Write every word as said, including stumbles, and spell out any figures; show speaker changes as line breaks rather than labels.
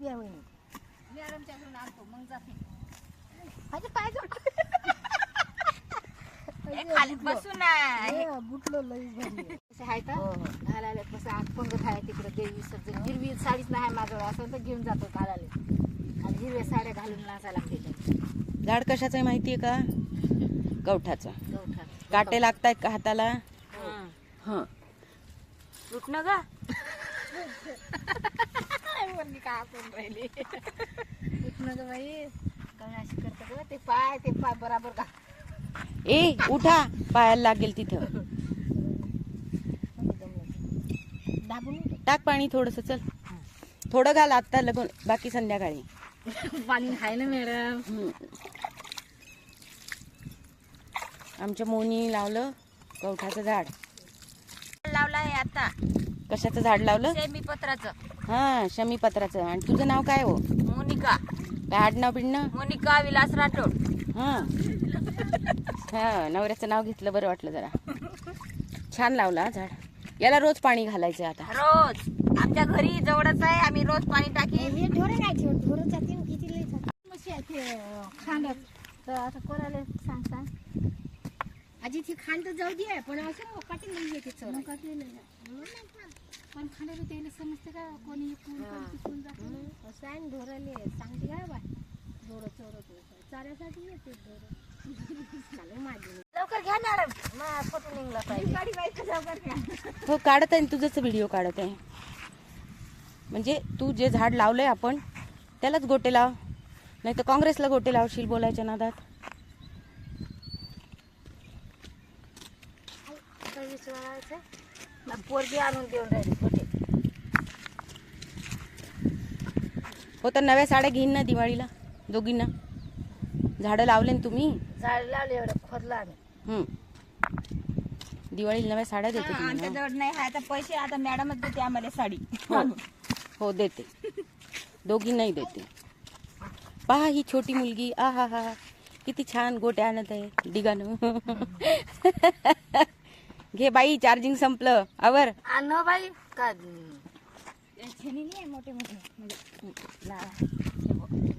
बिया वहिनी
मॅडमच्या घरून आणतो मग जाते.
माझे पाय जोड
खाली बसून आहे.
बुटलो लई भरली
कसे आहे तर घालायला कसं आगपंगत आहे तिकडे देवी सज्जन हिरवी साडीच नाही माझ्याकडे असं तर घेऊन जातो घालायला आणि हिरव्या साड्या घालून नाचा लागते.
झाड कशाचं आहे माहितीये का? गवठाचं.
गवठा
काटे लागतायत का हाताला? हा
उठणं का म्हणली का आपण राहिली उठणं ग बाई काय अशी करतं ग ते पाय ते पाय बराबर का
ए उठा, पायाला लागेल तिथं.
दाबून
टाक पाणी थोडस. चल थोडं घाल आता, लगून बाकी संध्याकाळी.
पाणी आहे ना मॅडम.
हम्म. आमच्या मोनी लावलं गवठाचं झाड.
लावला आहे आता.
कशाचं झाड लावलं?
सेमी पत्राचं.
हा शमी पत्राचं. आणि तुझं नाव काय हो?
मोनिका.
काय आडनाव बिडनाव?
मोनिका विलास राठोड.
हा हा नवऱ्याचं नाव घेतलं बरं वाटलं जरा. छान लावला झाड. याला रोज पाणी घालायचं आता.
रोज आमच्या घरी जवळच आहे, आम्ही रोज पाणी टाकी.
हे ढोरं नाही ठेवत, ढोरं जाते किती लई मशी आहे ते खांड्यात. तर आता कोणाला सांग सांग आजी ती खांड तर जाऊ दे, पण असं मोकाटी नाही येते चोर मोकाटी नाही. पण खांड्याला त्याला समजते का कोणी इकडून कोणी तिकडून जाते असं आहे. ढोराले सांगते काय बा ढोरं चोरत चाऱ्यासाठी येते ढोरं. चालू माझी
लवकर घ्या मॅडम, मग फोटो निघला पाहिजे. गाडी बाईक लवकर घ्या.
हो काढत आहे, तुझंच व्हिडिओ काढत आहे. म्हणजे तू जे झाड लावलंय आपण त्यालाच गोटे लाव, नाही तर काँग्रेसला गोटे लावशील बोलायच्या नादात.
पोरगी आणून देऊन राहिली कुठे.
हो तर नव्या साड्या घेईन ना दिवाळीला दोघींना. झाडं लावले ना तुम्ही?
झाड लावले एवढं खोदलं आम्ही.
हम्म दिवाळीला नव्या साड्या देते तुम्ही
आमच्या
ना?
जवळ नाही आहे आता पैसे, आता मॅडमच देते आम्हाला साडी.
हो हो देते, दोघींनाही देते. पहा ही छोटी मुलगी, आ हा हा किती छान गोटे आणत आहे डिगानं. घे बाई, चार्जिंग संपलं. आवर
आणो बाई का छेनी नाही मोठे मोठे म्हणजे